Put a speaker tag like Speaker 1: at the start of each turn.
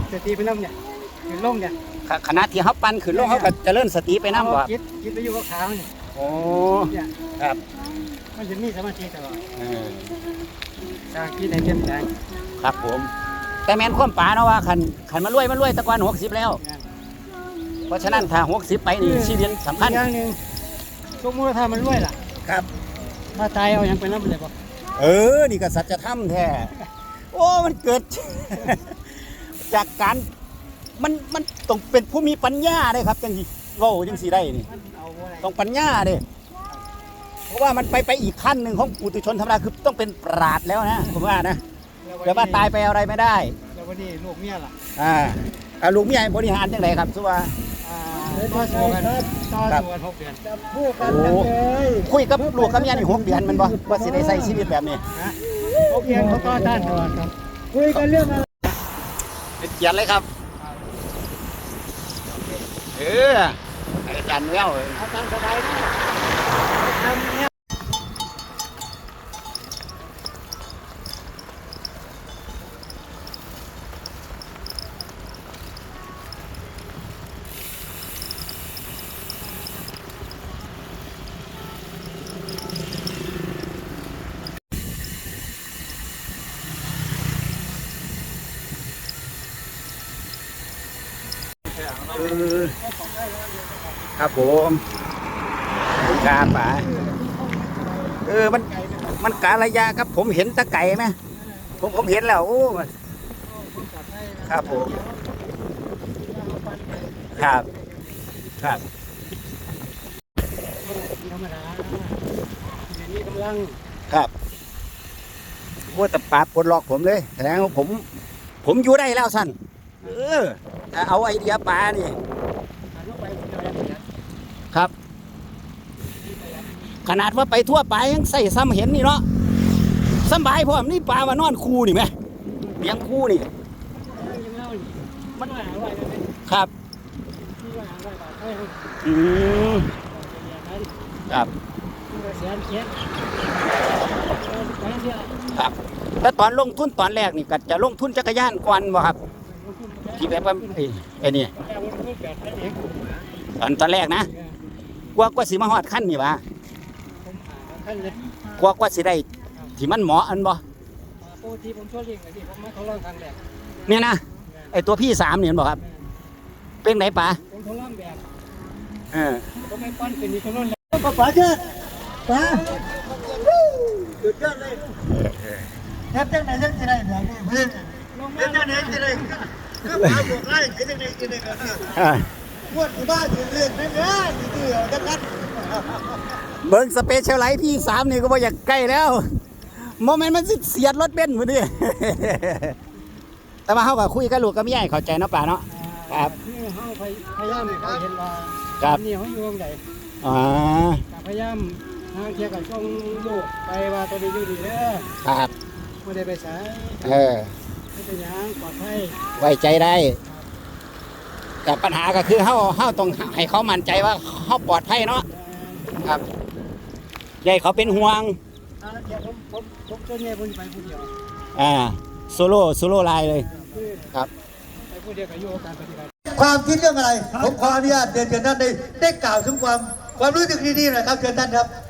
Speaker 1: สติไปน้ำเนี่ยขึ้นลงเนี่ย
Speaker 2: ขณะที่เขาปั่นขึ้นลงเขาก็จะเริ่มสติไปน้ำบ่
Speaker 1: คิดไปอยู่กับขาเนี่ย
Speaker 2: โอ้ครับ
Speaker 1: มันจะมีสมาธิตลอดสร้างคิดในเข้มแข็ง
Speaker 2: ครับผมแต่แม่นความป่าเนาะว่าขันมารวยตะกอน60แล้วเพราะฉะนั้นถ้า60ไปนี่ชีวิตสำคัญ
Speaker 1: อย่างหนึ่งทุกมูลธรรมมันรวยล่ะ
Speaker 2: ครับ
Speaker 1: ถ้าตายเอาอย่างไปน้ำเลยบ่
Speaker 2: นี่ก็สัจธรรมแท้โอ้มันเกิด จากการมันต้องเป็นผู้มีปัญญาได้ครับจังสิโง่จังสิได้นี่ต้องปัญญาเด้เพราะว่ามันไปอีกขั้นหนึ่งของปุถุชนธรรมดาคือต้องเป็นปราชญ์แล้วนะผมว่านะแต่ว่าตายไปอะไรไม่ได้
Speaker 1: แล้ววันนี้ลูกเมียล่
Speaker 2: ะลูกเมียบริหารจังไดครับสุว่า
Speaker 1: ต่อสู้กัน6 เดือน
Speaker 2: พูดกันเลยคุยกับลูกกับเมียนี่6 เดือนมันบ่ว่าสิได้ใช้ชีวิตแบบนี้
Speaker 1: 6 เดือนเขาต่อต้านตลอดครับคุยกันเรื่องอะไร
Speaker 2: เป็นเกียรติเลยครับอาจารย์แวว
Speaker 1: อาจารย์สบายนะทำเนี่ย
Speaker 2: ครับผมกาป่ามันการะยะครับผมเห็นตะไก่ไหมผมเห็นแล้วโอ้ครับผมครับ
Speaker 1: ธรรมดาอย่างนี้กำลัง
Speaker 2: ครับว่าแต่ป่าปลดล็อกผมเลยแสดงว่าผมอยู่ได้แล้วสั้นเอาไอเดียป่านี่ครับขนาดว่าไปทั่วไปยังใส่ซ้ำเห็นนี่เนาะสบายพร้อมนี่ปลามานอนคูนี่ไหมเลี้ยงคูนี่
Speaker 1: มัน
Speaker 2: ครับครับครับแล้วตอนลงทุนตอนแรกนี่ก็จะลงทุนจักรยานก่อนบ่ครับที่แบบว่าไอ้นี่ตอนแรกนะกว่าสิมาฮอดขั้นนี่วะกว่าสิได้ที่มันเหมาะอันบ่
Speaker 1: ที่ผมช่วยเลี้ยงที่ผมมาทดลองทางแบบ
Speaker 2: เนี่ยนะไอ้ตัวพี่3เนี่ยบอกครับเป็นไหนป๋า
Speaker 1: ผมทดลองแบบ
Speaker 2: ผม
Speaker 1: ไม่ปั้นเป็นนี่ทดลอง
Speaker 3: ป๋าเชิดป๋าสุดยอดเลยแทบจะไหนจะได้แบบนี้เพื่อนแทบจะไหนจะได้คือป๋าบอกไล่แทบจะไหนจะได้กันพวดบ้านเรื่องนั่นนะที่จะกัด
Speaker 2: เบิ้งสเปเชียลไลท์พี่3นี่ก็บ่อยากใกล้แล้วโมเมนต์มันเสียดรถเบนซ์พอดีแต่ว่าเขาก็คุยกับลูกกับเมียเข้าใจเนาะป่าเนาะครับ
Speaker 1: คือเขาพยายามเขาเห็นว่านี่เขาอยู่ตรงไหนพยายามทางเทียกับช่องลูกไปว่าตัวนี้อยู่ดีเด้อ
Speaker 2: ครับ
Speaker 1: ไม่ได้ไปสายไม่เป็นอย่างปลอดภัย
Speaker 2: ไว้ใจได้แต่ปัญหาก็คือเขาต้องให้เขามั่นใจว่าเขาปลอดภัยเนาะครับใหญ่เขาเป็นห่วง
Speaker 1: เดี๋ยวผมช่วยแม่ผมไปผู้เดียว
Speaker 2: โซโล่ไลน์เลยครับ
Speaker 1: ไปผู้เดียวกับโยการปฏิบัติ
Speaker 3: ความคิดเรื่องอะไรผมขออนุญาตเชิญท่านได้กล่าวถึงความรู้สึกดีๆหน่อยครับเชิญท่านครับ